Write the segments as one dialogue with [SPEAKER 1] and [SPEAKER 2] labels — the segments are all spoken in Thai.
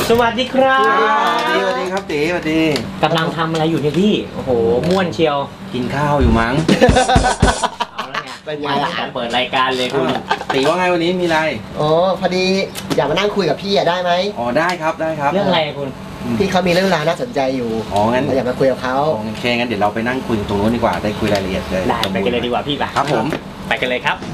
[SPEAKER 1] สวัสดีครับ
[SPEAKER 2] สวัสดีครับตีสวัสดี
[SPEAKER 1] กำลังทำอะไรอยู่เนี่ยพี่โอ้โหม่วนเชียว
[SPEAKER 2] กินข้าวอยู่มั้ง
[SPEAKER 1] เอาแล้วไงเป็นไงล่ะเปิดรายการเลยคุณ
[SPEAKER 2] ตีว่าไงวันนี้มีอะไร
[SPEAKER 3] อ๋อพอดีอยากมานั่งคุยกับพี่ได้ไหม
[SPEAKER 2] อ๋อได้ครับได้ครับ
[SPEAKER 1] เรื่องอะไรคุณ
[SPEAKER 3] พี่เขามีเรื่องราวน่าสนใจอยู่
[SPEAKER 2] อ๋องั้น
[SPEAKER 3] อยากมาคุยกับเขา
[SPEAKER 2] โอเคงั้นเดี๋ยวเราไปนั่งคุยตรงนู้นดีกว่าได้คุยรายละเอียดเลย
[SPEAKER 1] ได้ไปกันเลยดีกว่าพี่
[SPEAKER 2] ครับผม
[SPEAKER 1] ไปกันเลยครับ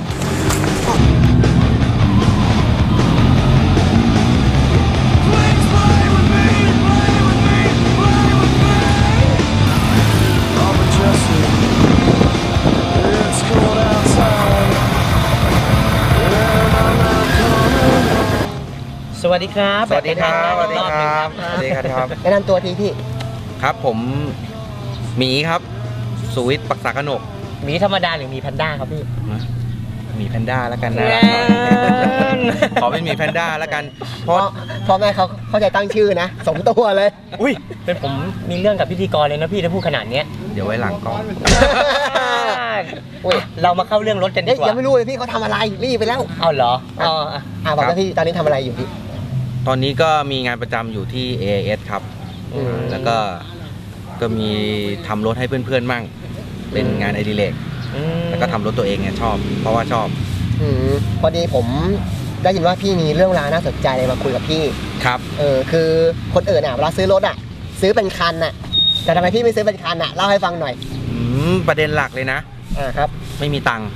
[SPEAKER 1] สวัสดีครับ
[SPEAKER 2] สวัสดีครับสวัสดีครับสวัสดีครับ
[SPEAKER 3] แนะนำตัวทีพี่
[SPEAKER 2] ครับผมหมีครับสุวิทย์ปักษากนก
[SPEAKER 1] หมีธรรมดาหรือหมีแพนด้าครับพี่
[SPEAKER 2] หมีแพนด้าแล้วกันนะขอเป็นหมีแพนด้าแล้วกัน
[SPEAKER 3] เพราะพ่อแม่เขาเข้าใจตั้งชื่อนะสมตัวเลย
[SPEAKER 1] อุ้ยเป็นผมมีเรื่องกับพิธีกรเลยนะพี่ถ้าพูดขนาดนี้
[SPEAKER 2] เดี๋ยวไว้หลังก่อน
[SPEAKER 1] เรามาเข้าเรื่องรถกันดีกว่า
[SPEAKER 3] ยังไม่รู้เลยพี่เขาทำอะไรรีบไปแล้ว
[SPEAKER 1] เอาเหรอ
[SPEAKER 3] บอกว่าพี่ตอนนี้ทำอะไรอยู่พี่
[SPEAKER 2] ตอนนี้ก็มีงานประจำอยู่ที่ AIS ครับแล้วก็มีทำรถให้เพื่อนๆมั่งเป็นงานอดิเรกแล้วก็ทำรถตัวเองเนี่ยชอบเพราะว่าชอบ
[SPEAKER 3] พอดีผมได้ยินว่าพี่มีเรื่องราวน่าสนใจเลยมาคุยกับพี่
[SPEAKER 2] ครับ
[SPEAKER 3] คือคนอื่นเวลาซื้อรถซื้อเป็นคันแต่ทำไมพี่ไม่ซื้อเป็นคันเล่าให้ฟังหน่อย
[SPEAKER 2] ประเด็นหลักเลย
[SPEAKER 3] นะครับ
[SPEAKER 2] ไม่มีตังค์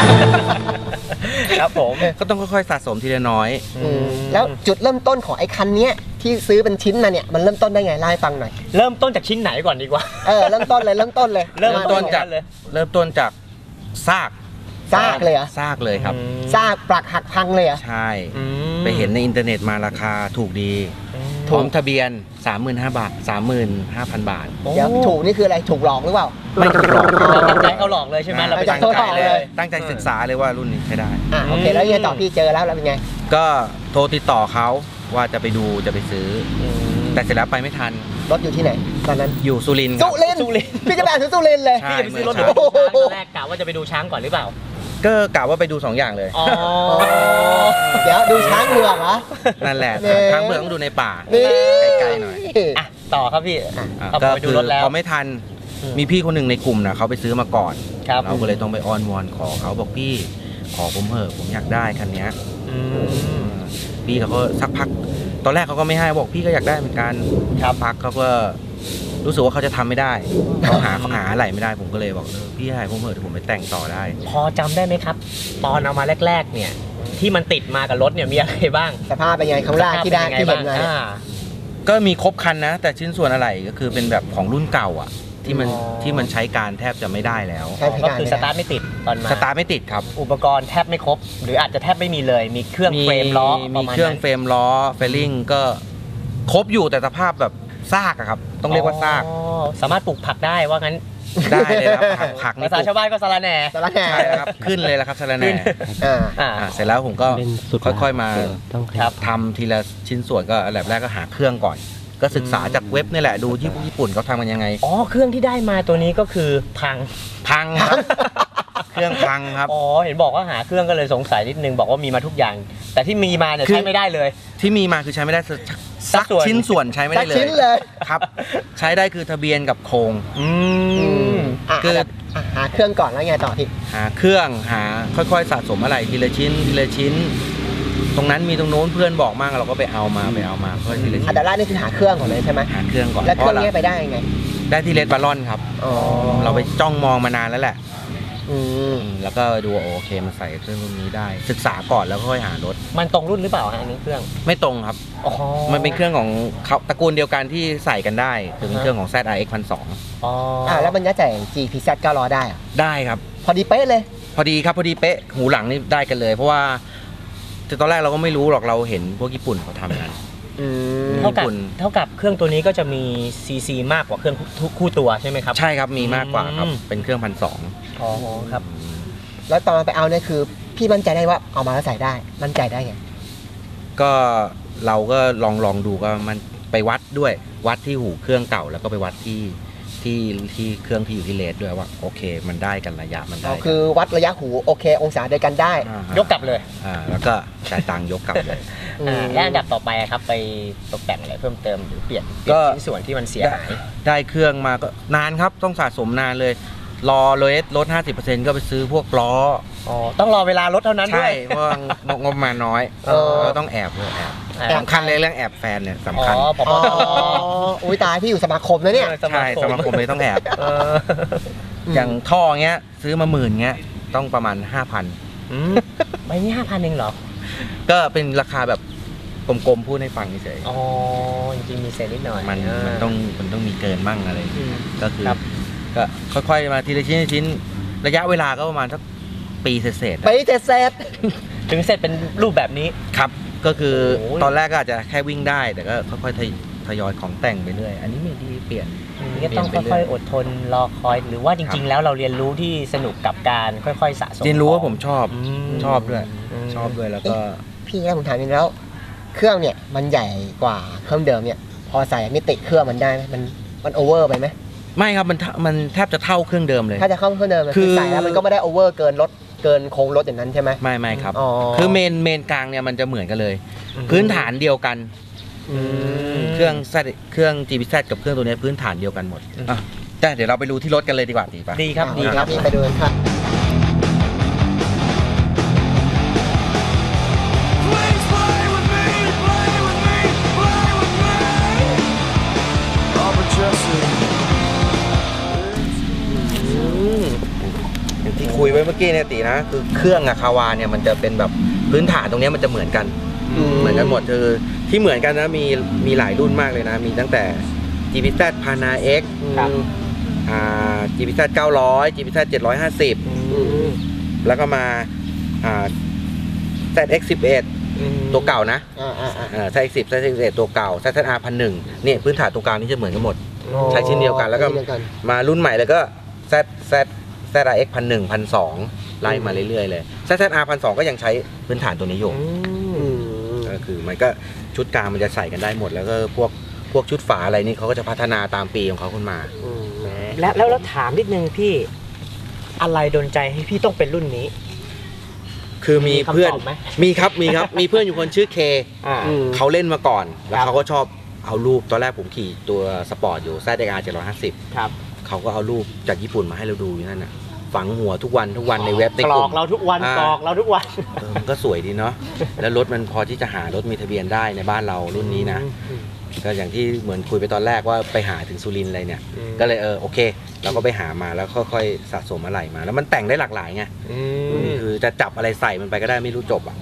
[SPEAKER 1] ครับผม
[SPEAKER 2] ก็ต้องค่อยๆสะสมทีละน้อย
[SPEAKER 3] แล้วจุดเริ่มต้นของไอ้คันนี้ที่ซื้อเป็นชิ้นมาเนี่ยมันเริ่มต้นได้ไงเล่าให้ฟังหน่อย
[SPEAKER 1] เริ่มต้นจากชิ้นไหนก่อนดีกว่า
[SPEAKER 3] เริ่มต้นเลยเริ่มต้น
[SPEAKER 2] จากซาก
[SPEAKER 3] เลยเหรอ
[SPEAKER 2] ซากเลยครับ
[SPEAKER 3] ซากปลักหักพังเลยเหรอ
[SPEAKER 2] ใช่ไปเห็นในอินเทอร์เน็ตมาราคาถูกดีพร้อมทะเบียน 35,000 บาท 35,000 บาท
[SPEAKER 3] เดี๋ยวถูกนี่คืออะไรถูกหลอกหรือเปล่า
[SPEAKER 2] ไม่ถูกหลอก
[SPEAKER 1] เราตั้งใจเขาหลอกเลยใช่ไหมเรา
[SPEAKER 3] ตั้งใจเลย
[SPEAKER 2] ตั้งใจศึกษาเลยว่ารุ่นนี้ใช้ได้
[SPEAKER 3] โอเคแล้วยังไงต่อพี่เจอแล้วเป็นไง
[SPEAKER 2] ก็โทรติดต่อเขาว่าจะไปดูจะไปซื้อแต่เสร็จแล้วไปไม่ทัน
[SPEAKER 3] รถอยู่ที่ไหนตอนนั้น
[SPEAKER 2] อยู่สุรินทร์
[SPEAKER 3] พี่จะไปซื้อสุรินทร์เลย
[SPEAKER 1] พี่จะไปซื้อรถแรกกะว่าจะไปดูช้างก่อนหรือเปล่า
[SPEAKER 2] ก็กะว่าไปดู2อย่างเลย
[SPEAKER 3] เดี๋ยวดูช้างเมืองเหรอ
[SPEAKER 2] นั่นแหละช้างเมืองต้องดูในป่าไกลๆหน่อย
[SPEAKER 1] ต่อครับพี่
[SPEAKER 2] ก็ไปดูรถแล้วพอไม่ทันมีพี่คนหนึ่งในกลุ่มนะเขาไปซื้อมาก่อนเราก็เลยต้องไปอ้อนวอนขอเขาบอกพี่ขอผมเถอะผมอยากได้คันนี้พี่เขาก็สักพักตอนแรกเขาก็ไม่ให้บอกพี่ก็อยากได้เหมือนกันพักเขาก็รู้สึกว่าเขาจะทำไม่ได้เขาหาอะไรไม่ได้ผมก็เลยบอกพี่ให้ผมเถอะผมไปแต่งต่อได้
[SPEAKER 1] พอจำได้ไหมครับตอนเอามาแรกๆเนี่ยที่มันติดมากับรถเนี่ยมีอะไรบ้าง
[SPEAKER 3] สภาพเป็นไงข้างล่างที่ได้ที่เห็นไง
[SPEAKER 2] ก็มีครบคันนะแต่ชิ้นส่วนอะไรก็คือเป็นแบบของรุ่นเก่าที่มันใช้การแทบจะไม่ได้แล้ว
[SPEAKER 1] ก็คือสตาร์ทไม่ติดตอนมา
[SPEAKER 2] สตาร์ทไม่ติดครับ
[SPEAKER 1] อุปกรณ์แทบไม่ครบหรืออาจจะแทบไม่มีเลยมีเครื่องเฟรมล้อ
[SPEAKER 2] มีเครื่องเฟรมล้อเฟลลิ่งก็ครบอยู่แต่สภาพแบบซากครับต้องเรียกว่าซาก
[SPEAKER 1] สามารถปลูกผักได้ว่างั้น
[SPEAKER 2] ได้เลยครับผัก
[SPEAKER 1] ภาษาชาวบ้านก็สะระแหน่
[SPEAKER 2] ใช่ครับขึ้นเลยแล้วครับสะระแหน่เสร็จแล้วผมก็ค่อยๆมาทำทีละชิ้นส่วนก็อันดับแรกก็หาเครื่องก่อนก็ศึกษาจากเว็บนี่แหละดูที่พวกญี่ปุ่นเขาทำกันยังไง
[SPEAKER 1] เครื่องที่ได้มาตัวนี้ก็คือพัง
[SPEAKER 2] ครับเครื่องพังครับ
[SPEAKER 1] เห็นบอกว่าหาเครื่องก็เลยสงสัยนิดนึงบอกว่ามีมาทุกอย่างแต่ที่มีมาเนี่ยใช้ไม่ได้เลย
[SPEAKER 2] ที่มีมาคือใช้ไม่ได้สักชิ้นส่วนใช้ไม่ได้เลยครับใช้ได้คือทะเบียนกับโครง
[SPEAKER 3] คือหาเครื่องก่อนแล้วไงต่อพี่
[SPEAKER 2] หาเครื่องค่อยๆสะสมอะไรทีละชิ้นตรงนั้นมีตรงโน้นเพื่อนบอกมากเราก็ไปเอามาเพื่อทีละชิ้น
[SPEAKER 3] อันดับแรกนี่คือหาเครื่องก่อนเลยใช่ไหม
[SPEAKER 2] หาเครื่องก่อน
[SPEAKER 3] แล้วเครื่องนี้ไปได้ยังไง
[SPEAKER 2] ได้ที่เลดบาลอนครับเราไปจ้องมองมานานแล้วแหละแล้วก็ดูโอเคมันใส่เครื่องรุ่นนี้ได้ศึกษาก่อนแล้วค่อยหารถ
[SPEAKER 1] มันตรงรุ่นหรือเปล่าอันนี้เครื่อง
[SPEAKER 2] ไม่ตรงครับมันเป็นเครื่องของเขาตระกูลเดียวกันที่ใส่กันได้คือเป็นเครื่องของ ZRX 1,200
[SPEAKER 3] แล้วมันจะจ่าย GPZ 900ได้
[SPEAKER 2] ครับ
[SPEAKER 3] พอดีเป๊ะเลย
[SPEAKER 2] พอดีเป๊ะหูหลังนี่ได้กันเลยเพราะว่าตอนแรกเราก็ไม่รู้หรอกเราเห็นพวกญี่ปุ่นเขาทำกัน
[SPEAKER 1] เท่ากับเครื่องตัวนี้ก็จะมีซีมากกว่าเครื่องคู่ตัวใช่ไหมครับ
[SPEAKER 2] ใช่ครับมีมากกว่าครับเป็นเครื่อง1,200
[SPEAKER 3] ครับแล้วตอนไปเอาเนี่ยคือพี่มั่นใจได้ว่าเอามาแล้วใส่ได้มั่นใจได้ไง
[SPEAKER 2] ก็เราก็ลองดูก็มันไปวัดด้วยวัดที่หูเครื่องเก่าแล้วก็ไปวัดที่ที่เครื่องที่อยู่ที่เลสด้วยว่าโอเคมันได้กันระยะมันได้
[SPEAKER 3] คือวัดระยะหูโอเค องศาเดียวกันได้
[SPEAKER 1] ยกกลับเลย
[SPEAKER 2] แล้วก็จ่ายตังค์ยกกลับเลย
[SPEAKER 1] และอันดับต่อไปครับไปตกแต่งอะไรเพิ่มเติมหรือเปลี่ยน
[SPEAKER 2] ก็
[SPEAKER 1] ชิ้นส่วนที่มันเสียหาย
[SPEAKER 2] ได้เครื่องมาก็นานครับต้องสะสมนานเลย รอเลสลด 50% ก็ไปซื้อพวกล้อ
[SPEAKER 1] ต้องรอเวลารถเท่านั้นด้
[SPEAKER 2] ใช่
[SPEAKER 1] วย
[SPEAKER 2] เพราะว่างบมาน้อยเราต้องแอบด้วยแอบ
[SPEAKER 1] แอบ
[SPEAKER 2] สำคัญเลยเรื่องแอบแฟนเนี่ยสำคัญ
[SPEAKER 1] ผม
[SPEAKER 3] อ๋ออุ้ยตายพี่อยู่สมาคมนะเนี่ย
[SPEAKER 2] ใช่สมาคมเลยต้องแอบ อย่างท่อเงี้ยซื้อมา10,000เงี้ยต้องประมาณ 5,000
[SPEAKER 1] ใบนี้5,000เองเหรอ
[SPEAKER 2] ก็เป็นราคาแบบกลมๆพูดให้ฟังเฉย
[SPEAKER 1] อ๋อจริงๆมีเศษนิดหน่อย
[SPEAKER 2] มันต้องมีเกินบ้างอะไร ก็คือ
[SPEAKER 1] ครับ
[SPEAKER 2] ก็ค่อยๆมาทีละชิ้นระยะเวลาก็ประมาณสักปีเศษๆ
[SPEAKER 3] ไปเจ็ดเซต
[SPEAKER 1] ถึงเสร็จเป็นรูปแบบนี้
[SPEAKER 2] ครับก็คือ
[SPEAKER 1] โอ้ย
[SPEAKER 2] ตอนแรกก็อาจจะแค่วิ่งได้แต่ก็ค่อยๆทยอยของแต่งไปเรื่อยอันนี้ไม่ดีเปลี่ยน
[SPEAKER 1] นี่ก็ต้องค่อยๆอดทนรอคอย หรือว่าจริงๆ แล้วเราเรียนรู้ที่สนุกกับการค่อยๆสะสม
[SPEAKER 2] เรียนรู้ว่าผมชอบ
[SPEAKER 1] ม
[SPEAKER 2] ชอบด้วย
[SPEAKER 1] อืม
[SPEAKER 2] ชอบด้วยแล้วก็
[SPEAKER 3] พี่แล้วผมถามนิดแล้ว เครื่องเนี่ยมันใหญ่กว่าเครื่องเดิมเนี่ย พอใส่มิติเครื่องมันได้ไหมมันโอเวอร์ไปไหม
[SPEAKER 2] ไม่ครับมันแทบจะเท่าเครื่องเดิมเลย
[SPEAKER 3] ถ้าจะเข้าเครื่องเดิม
[SPEAKER 2] คือ
[SPEAKER 3] ใส่แล้วมันก็ไม่ได้โอเวอร์เกินรถเกินโค้งรถอย่างนั้นใช่ไหม
[SPEAKER 2] ไม่ครับ
[SPEAKER 3] อ๋อ
[SPEAKER 2] คือเมนกลางเนี่ยมันจะเหมือนกันเลย พื้นฐานเดียวกัน เครื่อง GBZ กับเครื่องตัวนี้พื้นฐานเดียวกันหมดอ่ะแต่เดี๋ยวเราไปดูที่รถกันเลยดีกว่าดีป่ะ
[SPEAKER 1] ดีครับดีครับ
[SPEAKER 3] นี่ไปดูกันครับ
[SPEAKER 4] Please play with me, play with me, play with me. Robert Jesse.
[SPEAKER 2] อย่างที่คุยไว้เมื่อกี้เนี่ยตีนะคือเครื่องอะคาวาเนี่ยมันจะเป็นแบบพื้นฐานตรงเนี้ยมันจะเหมือนกัน เหมือนกันหมดคือที่เหมือนกันนะมีหลายรุ่นมากเลยนะ มีตั้งแต่ GBZ Pana X
[SPEAKER 1] ครับ
[SPEAKER 2] GBZ 900 GBZ 750 แล้วก็มาZX 11ตัวเก่านะZX 10 ZX 11ตัวเก่า ZR 1001เนี่ยพื้นฐานตัวกลางนี่จะเหมือนกันหมด ใช้ชิ้นเดียวกันแล้วก็มารุ่นใหม่เลยก็ ZRX 1001 1002ไล่มาเรื่อยๆเลย ZR 1002ก็ยังใช้พื้นฐานตัวนี้อยู่ก็คือมันก็ชุดกลางมันจะใส่กันได้หมด แล้วก็พวกชุดฝาอะไรนี่เขาก็จะพัฒนาตามปีของเขาขึ้นมา
[SPEAKER 1] แล้วถามนิดนึงพี่ อะไรดลใจให้พี่ต้องเป็นรุ่นนี้
[SPEAKER 2] คือมีเพื่อน
[SPEAKER 1] คำตอบไหม
[SPEAKER 2] มีครับมีเพื่อนอยู่คนชื่อเคเขาเล่นมาก่อน แล้วเขาก็ชอบเอารูปตอนแรกผมขี่ตัวสปอร์ตอยู่ ZR 750
[SPEAKER 1] ครับ
[SPEAKER 2] เขาก็เอารูปจากญี่ปุ่นมาให้เราดูอยู่นั่นน่ะฝังหัวทุกวันในเว็บใน
[SPEAKER 1] กร
[SPEAKER 2] ก
[SPEAKER 1] อ
[SPEAKER 2] ลุ่
[SPEAKER 1] ก
[SPEAKER 2] ม
[SPEAKER 1] เราทุกวันกรอกเราทุกวัน
[SPEAKER 2] มันก็สวยดีเนาะแล้วรถมันพอที่จะหารถมีทะเบียนได้ในบ้านเรารุ่นนี้นะก็อย่างที่เหมือนคุยไปตอนแรกว่าไปหาถึงสุรินทร์อะไรเนี่ยก็เลยโอเคเราก็ไปหามาแล้วค่อยๆสะสมอะไรมา แล้วมันแต่งได้หลากหลายไงคือจะจับอะไรใส่มันไปก็ได้ไม่รู้จบอ่ะ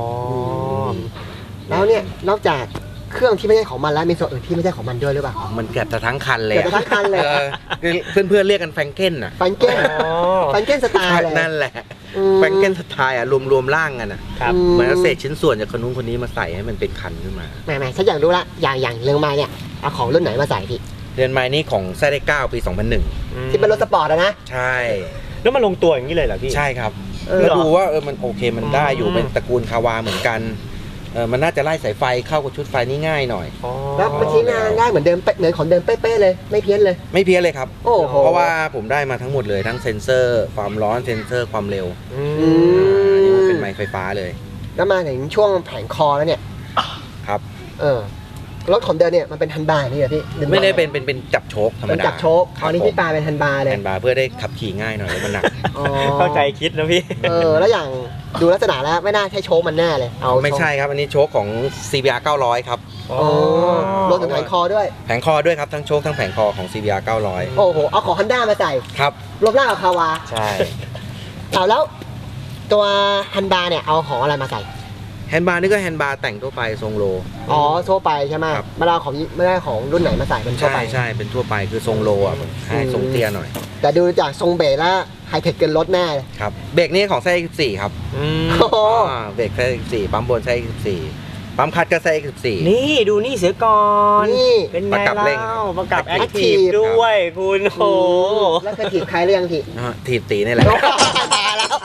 [SPEAKER 3] แล้วเนี่ยนอกจากเครื่องที่ไม่ใช่ของมันแล้วมีส่วนอื่นที่ไม่ใช่ของมันด้วยหรือเปล่า
[SPEAKER 2] มันเกือบจะทั้งคันเลย
[SPEAKER 3] เกือบจะทั้งคันเลย
[SPEAKER 2] คือเพื่อนๆเรียกกันแฟรงเก้นอ่ะ
[SPEAKER 3] ฟันเก้นฟันเก้นสไตล์เลย
[SPEAKER 2] นั่นแหละแฟรงเก้นสไตล์อ่ะรวมร่างกันอ่ะ
[SPEAKER 1] ครับ
[SPEAKER 2] เหมือนเอาเศษชิ้นส่วนจากคนนู้นคนนี้มาใส่ให้มันเป็นคันขึ้นมา
[SPEAKER 3] แหมฉันอยากรู้ละอย่างเรื่องมาเนี่ยเอาของรุ่นไหนมาใส่พี่
[SPEAKER 2] เรือนไม้นี่ของZX 9ปี 2001
[SPEAKER 3] ที่เป็นรถสปอร์ตอะนะ
[SPEAKER 2] ใช่
[SPEAKER 1] แล้วมันลงตัวอย่างนี้เลยเหรอพี่
[SPEAKER 2] ใช่ครับ
[SPEAKER 3] เออ
[SPEAKER 2] แล้วดูว่ามันโอเคมันได้อยู่เป็นตระกูลคาวาเหมือนกันมันน่าจะไล่สายไฟเข้ากับชุดไฟนี่ง่ายหน่อย
[SPEAKER 3] แล้วมันชิ้นงานได้เหมือนเดิมเหมือนของเดิมเป๊ะๆเลยไม่เพี้ยนเลย
[SPEAKER 2] ไม่เพี้ยนเลยครับ
[SPEAKER 3] โอ้โห
[SPEAKER 2] เพราะว่าผมได้มาทั้งหมดเลยทั้งเซ็นเซอร์ความร้อนเซ็นเซอร์ความเร็ว นี่มันเป็นไม้ไฟฟ้าเลย
[SPEAKER 3] แล้วมาถึงช่วงแผงคอแล้วเนี่ย
[SPEAKER 2] ครับ
[SPEAKER 3] รถของเดิมเนี่ยมันเป็นฮันบาร์นี่เหรอพี่
[SPEAKER 2] ไม่ได้เป็นจับโชคธรรม
[SPEAKER 3] เป็น
[SPEAKER 2] ดา
[SPEAKER 3] จับโชคคราวนี้พี่ปาเป็นฮันบาร์เลย
[SPEAKER 2] แอนบาร์เพื่อได้ขับขี่ง่ายหน่อยแล้วมันหนัก
[SPEAKER 3] อ๋อ
[SPEAKER 1] เข้าใจคิดนะพี่
[SPEAKER 3] แล้วอย่างดูลักษณะแล้วไม่น่าใช่โชคมันแน่เลยเอา
[SPEAKER 2] ไม่ใช่ครับอันนี้โชคของ CBR 900 ครับ
[SPEAKER 3] รถถึงแผงคอด้วย
[SPEAKER 2] แผงคอด้วยครับทั้งโชคทั้งแผงคอของ CBR 900
[SPEAKER 3] โอ้โหเอาของฮันด้ามาใส่
[SPEAKER 2] ครับ
[SPEAKER 3] รวมร่างกับคาวา
[SPEAKER 2] ใช่
[SPEAKER 3] เอาแล้วตัวฮันบาร์เนี่ยเอาของอะไรมาใส่
[SPEAKER 2] แฮนด์บาร์นี่ก็แฮนด์บาร์แต่งทั่วไปทรงโล
[SPEAKER 3] อ๋อทั่วไปใช่ไหม
[SPEAKER 2] ครับ
[SPEAKER 3] ไม่ได้เอาของไม่ได้ของรุ่นไหนมาใส่เป็นทั่ว
[SPEAKER 2] ใช่
[SPEAKER 3] ไป
[SPEAKER 2] ใช่เป็นทั่วไปคือทรงโลอ่ะให้ทรงเตี้ยหน่อย
[SPEAKER 3] แต่ดูจากทรงเบรกแล้วไฮเทคเกินรถแน่เลย
[SPEAKER 2] ครับเบรกนี่ของไส้ 14 ครับ
[SPEAKER 3] โอ้โห
[SPEAKER 2] เบรกไส้14ปั๊มบนไส้14ปั๊มคัดก็ไส้14
[SPEAKER 1] นี่ดูนี่เสือก่อน
[SPEAKER 3] นี่
[SPEAKER 1] เป็นไง
[SPEAKER 2] ประกับเร่ง
[SPEAKER 1] เล่าประกับแอค
[SPEAKER 3] Active
[SPEAKER 1] ทีฟด้วยคุณโห
[SPEAKER 3] แล้วเคยถีบใครหรือยังพี่
[SPEAKER 2] ถีบตีนี่แหละ
[SPEAKER 3] ตายแล้ว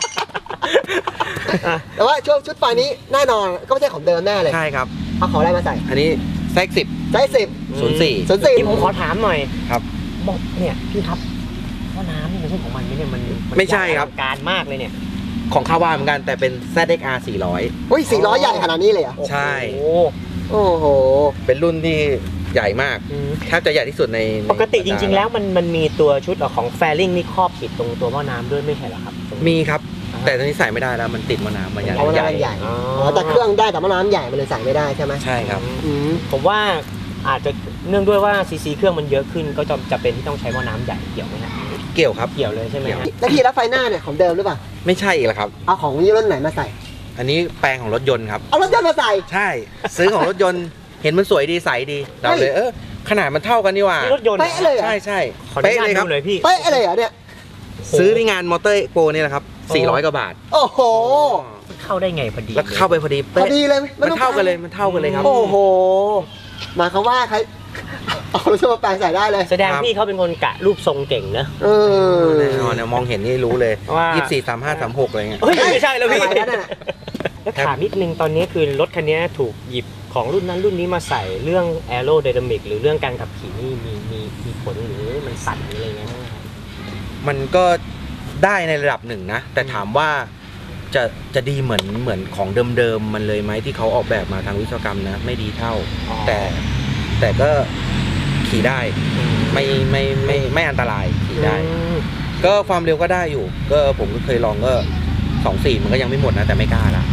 [SPEAKER 3] แต่ว่าช่วงชุดไฟนี้แน่นอนก็ไม่ใช่ของเดิมแน่เลย
[SPEAKER 2] ใช่ครับ
[SPEAKER 3] เอาของอะไรมาใส่
[SPEAKER 2] อันนี้ไส้10
[SPEAKER 3] ไซส์10
[SPEAKER 2] 04
[SPEAKER 3] 04
[SPEAKER 1] นี่ผมขอถามหน่อย
[SPEAKER 2] ครับ
[SPEAKER 1] บอกเนี่ยพี่ครับหม้อน้ำนี่มันใช่ของมันไหมเนี่ยมัน
[SPEAKER 2] ไม่ใช่ครับ
[SPEAKER 1] อลังการมากเลยเนี่ย
[SPEAKER 2] ของคาวาเหมือนกันแต่เป็น ZXR 400
[SPEAKER 3] อุ้ย400ใหญ่ขนาดนี้เลยเหรอ
[SPEAKER 2] ใช่
[SPEAKER 1] โอ้โห
[SPEAKER 3] โอ้โห
[SPEAKER 2] เป็นรุ่นที่ใหญ่มาก
[SPEAKER 1] อืม
[SPEAKER 2] แทบจะใหญ่ที่สุดใน
[SPEAKER 1] ปกติจริง ๆ แล้วมันมีตัวชุดของแฟริงนี่ครอบปิดตรงตัวหม้อน้ำด้วยไม่ใช่เหรอครับ
[SPEAKER 2] มีครับ แต่ตอนนี้ใส่ไม่ได้แล้วมันติดมะนาวมันใหญ่
[SPEAKER 3] เพราะว่าน้ำใหญ่
[SPEAKER 1] อ๋อ
[SPEAKER 3] อ๋อแต่เครื่องได้แต่ว่าน้ำใหญ่มันเลยใส่ไม่ได้ใช่ไหม
[SPEAKER 2] ใช่ครับ
[SPEAKER 3] อืม
[SPEAKER 1] ผมว่าอาจจะเนื่องด้วยว่าซีซีเครื่องมันเยอะขึ้นก็จะเป็นที่ต้องใช้หม้อน้ำใหญ่เกี่ยวไหมฮะ
[SPEAKER 2] เกี่ยวครับ
[SPEAKER 1] เกี่ยวเลยใช่ไหมฮะ
[SPEAKER 3] แล้วพี่แล้วไฟหน้าเนี่ยของเดิมหรือเปล่า
[SPEAKER 2] ไม่ใช่อีกแล้วครับ
[SPEAKER 3] เอาของยี่รุ่นไหนมาใส่
[SPEAKER 2] อันนี้แปลงของรถยนต์ครับ
[SPEAKER 3] เอารถยนต์มาใส่
[SPEAKER 2] ใช่ ซื้อของรถยนต์เห็นมันสวยดีใสดีเราเลยขนาดมันเท่ากันนี่หว่า
[SPEAKER 1] นี่รถยนต์เหรอ
[SPEAKER 3] เป๊ะเลยเหรอ
[SPEAKER 2] ใช่ใช่
[SPEAKER 1] ขออนุ
[SPEAKER 2] เป๊ะ
[SPEAKER 1] ญาต
[SPEAKER 2] เลยครับ
[SPEAKER 1] ดูเลยพี่
[SPEAKER 3] เป๊ะเลยเหรอเนี่ย
[SPEAKER 2] ซื้อที่งานมอเตอร์โปรนี่แหละครับ 400 กว่าบาท
[SPEAKER 3] โอ้โห
[SPEAKER 1] เข้าได้ไงพอดี
[SPEAKER 2] แล้วเข้าไปพอดี
[SPEAKER 3] พอ
[SPEAKER 2] เป๊ะ
[SPEAKER 3] ดีเลย
[SPEAKER 2] มันเท่ากันเลยมันเท่ากันเลยครับ
[SPEAKER 3] โอ้โหหมายความว่าใครเอารถยนต์มาแปลงใส่ได้เลย
[SPEAKER 1] แสดง
[SPEAKER 2] ครับ
[SPEAKER 1] พี่เขาเป็นคนกะรูปทรงเก่งนะ
[SPEAKER 3] เออ
[SPEAKER 2] แน่นอนเนี่ยมองเห็นนี่รู้เลย
[SPEAKER 1] ว่า
[SPEAKER 2] 24 35 36อะไรเงี้ย
[SPEAKER 1] เฮ้ยไม่ใช่แล้วพี่
[SPEAKER 3] อะไรนั่นน่ะ
[SPEAKER 1] แล้วถามนิดนึงตอนนี้คือรถคันนี้ถูกหยิบของรุ่นนั้นรุ่นนี้มาใส่เรื่องแอโรไดนามิกหรือเรื่องการขับขี่นี่มีผลหรือมันสั่นหรืออะไรเงี้ยบ้างไหมครับ
[SPEAKER 2] มันก็ได้ในระดับหนึ่งนะ แต่ถามว่าจะดีเหมือนของเดิมๆมันเลยไหมที่เขาออกแบบมาทางวิศวกรรมนะ ไม่ดีเท่า
[SPEAKER 1] อ๋อ
[SPEAKER 2] แต่ก็ขี่ได้ไม่อันตรายขี่ได้
[SPEAKER 1] อืม
[SPEAKER 2] ก็ความเร็วก็ได้อยู่ ก็ผมก็เคยลองก็2.4มันก็ยังไม่หมดนะ แต่ไม่กล้าละ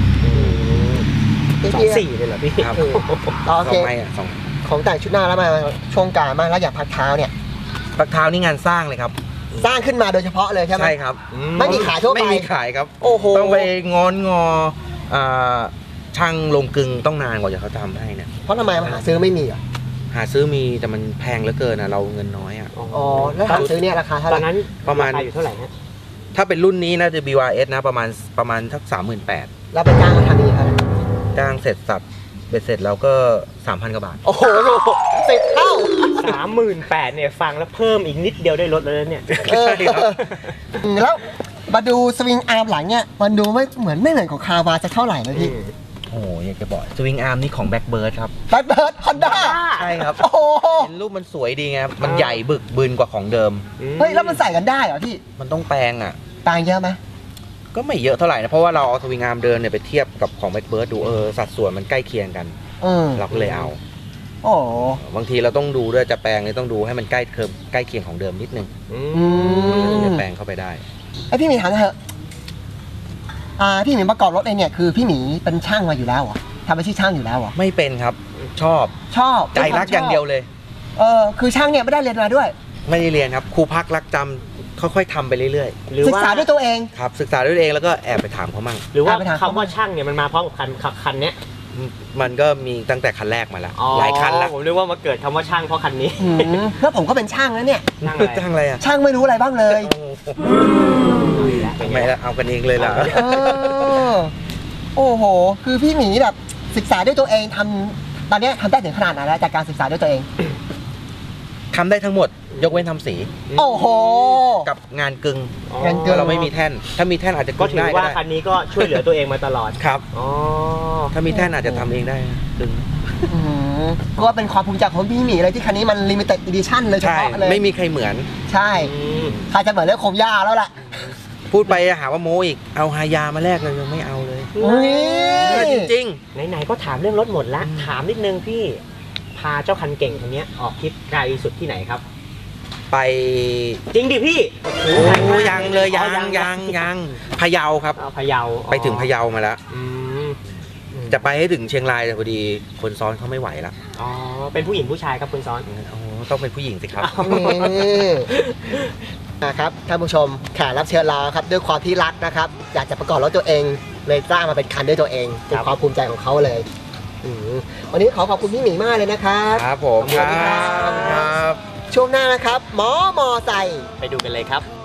[SPEAKER 1] 2.4เลยเหรอพี่
[SPEAKER 2] ครับ
[SPEAKER 3] โอ
[SPEAKER 2] สอ
[SPEAKER 3] เค
[SPEAKER 2] งไม้อะสอง
[SPEAKER 3] ของแต่งชุดหน้าแล้วมาช่วงกลางมากแล้วอย่างพักเท้าเนี่ย
[SPEAKER 2] ปักเท้านี่งานสร้างเลยครับ
[SPEAKER 3] สร้างขึ้นมาโดยเฉพาะเลยใช่ไหม
[SPEAKER 2] ใช่ครับ
[SPEAKER 3] ไม่มีขายทั่วไป
[SPEAKER 2] ไม่มีขายครับ
[SPEAKER 3] โอ้โห
[SPEAKER 2] ต้องไปงอนงออ่าช่างลงกลึงต้องนานกว่าจะเขาทำให้เนี่ย
[SPEAKER 3] เพราะทำไมมาหาซื้อไม่มีเหรอ
[SPEAKER 2] หาซื้อมีแต่มันแพงเหลือเกินนะเราเงินน้อยอ่ะ
[SPEAKER 3] อ๋อแล้วหาซื้อเนี่ยราคาเท่าไห
[SPEAKER 1] ตอ
[SPEAKER 3] ร่
[SPEAKER 1] นนั้น
[SPEAKER 2] ประมาณ
[SPEAKER 1] คอยู่เท่าไหร่ฮะ
[SPEAKER 2] ถ้าเป็นรุ่นนี้น่าจะ BYS นะประมาณทัก38,000
[SPEAKER 3] แล้วไปจ้างเขาทำอีกเท่าไหร่
[SPEAKER 2] จ้างเสร็จสับเบ็ดเสร็จแล้วก็ 3,000 กว่าบาท
[SPEAKER 3] โอ้โห10 เท่า
[SPEAKER 1] 38,000เนี่ยฟังแล้วเพิ่มอีกนิดเดียวได้ลดแล้วเนี่ย
[SPEAKER 3] เออ
[SPEAKER 2] ใช่ครับ
[SPEAKER 3] แล้วมาดูสวิงอาร์มหลังเนี่ยมันดูไม่เหมือนของคาวาจะเท่าไหร่เลยพี่
[SPEAKER 2] โอ้โหอยากจะบอกสวิงอาร์มนี่ของแบ็คเบิร์ดครับ
[SPEAKER 3] แบล็คเบิร์ดฮอนด้า
[SPEAKER 2] ใช่ครับ
[SPEAKER 3] โอ้โห
[SPEAKER 2] เห็นรูปมันสวยดีไงมันใหญ่บึกบึนกว่าของเดิม
[SPEAKER 3] เฮ้ยแล้วมันใส่กันได้เหรอพี่
[SPEAKER 2] มันต้องแปลงอ่ะ
[SPEAKER 3] ต่างเยอะไหม
[SPEAKER 2] ก็ไม่เยอะเท่าไหร่นะ เพราะว่าเราเอาสวิงอาร์มเดินเนี่ยไปเทียบกับของแบ็คเบิร์ดดูสัดส่วนมันใกล้เคียงกัน เราก็เลยเอา
[SPEAKER 3] โอ้โห
[SPEAKER 2] บางทีเราต้องดูด้วยจะแปลงเนี่ยต้องดูให้มันใกล้เคียงของเดิมนิดนึง
[SPEAKER 3] อืม
[SPEAKER 2] จะแปลงเข้าไปได้
[SPEAKER 3] ไอพี่หมีถามหน่อยเถอะพี่หมีประกอบรถเองเนี่ยคือพี่หมีเป็นช่างมาอยู่แล้วเหรอทำอาชีพช่างอยู่แล้วเหรอ
[SPEAKER 2] ไม่เป็นครับ ชอบ
[SPEAKER 3] ชอบ
[SPEAKER 2] ใจรักอย่างเดียวเลย
[SPEAKER 3] คือช่างเนี่ยไม่ได้เรียนมาด้วย
[SPEAKER 2] ไม่ได้เรียนครับครูพักรักจำค่อยๆทำไปเรื่อย
[SPEAKER 1] หรือ
[SPEAKER 3] ศึก
[SPEAKER 1] ว่า
[SPEAKER 3] ษาด้วยตัวเอง
[SPEAKER 2] ๆครับศึกษาด้วยตัวเองแล้วก็แอบไปถามเขามั่ง
[SPEAKER 1] หรือว่า
[SPEAKER 3] ไปทาง
[SPEAKER 1] คำว่าช่างเนี่ยมันมาพร้อมกับคันเนี้ย
[SPEAKER 2] มันก็มีตั้งแต่คันแรกมาแล้วหลายคันแล้ว
[SPEAKER 1] ผมนึกว่ามาเกิดคำว่าช่างเพราะคันนี้
[SPEAKER 3] แล้วผมก็เป็นช่างแล้วเนี่ย
[SPEAKER 1] ช่างอะไร
[SPEAKER 2] จ้างอะไรอ่ะ
[SPEAKER 3] ช่างไม่รู้อะไรบ้างเลย
[SPEAKER 2] ทำไมล่ะเอากันเองเลยล่ะ
[SPEAKER 3] โอ้โห คือพี่หมีแบบศึกษาด้วยตัวเองตอนเนี้ยทำได้ถึงขนาดไหนแล้วจากการศึกษาด้วยตัวเอง
[SPEAKER 2] ทำได้ทั้งหมดยกเว้นทำสี
[SPEAKER 3] โอ้โห
[SPEAKER 2] กับงานกึ่ง
[SPEAKER 3] งานกึ่
[SPEAKER 2] เราไม่มีแท่น ถ้ามีแท่นอาจจะ
[SPEAKER 1] ก็
[SPEAKER 2] กึ่ง
[SPEAKER 1] ถือ
[SPEAKER 2] ได้ก็
[SPEAKER 1] ว่า
[SPEAKER 2] ได้
[SPEAKER 1] คันนี้ก็ช่วยเหลือตัวเองมาตลอด
[SPEAKER 2] ครับ
[SPEAKER 1] อ๋อ
[SPEAKER 2] ถ้ามีแท่นอาจจะทำเองได้กึ่ง
[SPEAKER 3] ก็เป็นความภูมิใจของพี่หมีเลยที่คันนี้มัน limited edition เลยเฉ
[SPEAKER 2] ใช่
[SPEAKER 3] พาะเลย
[SPEAKER 2] ไม่มีใครเหมือน
[SPEAKER 3] ใช่ใครจะเหมือนเรื่องคมย่าแล้วล่ะ
[SPEAKER 2] พูดไปหาว่าโมอีกเอาฮายามาแลกเลยยังไม่เอาเลย
[SPEAKER 3] อุ้ย
[SPEAKER 2] จริง
[SPEAKER 1] ไหนๆก็ถามเรื่องรถหมดละถามนิดนึงพี่พาเจ้าคันเก่งคนนี้ยออกทริปไกลสุดที่ไหนครับ
[SPEAKER 2] ๆ ไป
[SPEAKER 1] จริงดิพี่
[SPEAKER 2] โอ้ยังเลยยังพะเยาครับ
[SPEAKER 1] พะเยา
[SPEAKER 2] ไปถึงพะเยามาแล้ว
[SPEAKER 1] อืม
[SPEAKER 2] จะไปให้ถึงเชียงรายแต่พอดีคนซ้อนเขาไม่ไหวแล้ว
[SPEAKER 1] อ๋อเป็นผู้หญิงผู้ชายครับคุณซ้อน
[SPEAKER 2] โอ้ต้องเป็นผู้หญิงสิครับ
[SPEAKER 3] นี่นะครับท่านผู้ชมแขกรับเชิญเราครับด้วยความที่รักนะครับอยากจะประกอบรถตัวเองเลยสร้างมาเป็นคันด้วยตัวเองเป็นความภูมิใจของเขาเลยวันนี้ขอบคุณพี่หมีมากเลยนะครับ
[SPEAKER 2] ครับผม
[SPEAKER 3] ขอบคุณครับ
[SPEAKER 2] ครับ
[SPEAKER 3] ช่วงหน้านะครับหมอไซค์
[SPEAKER 1] ไปดูกันเลยครับ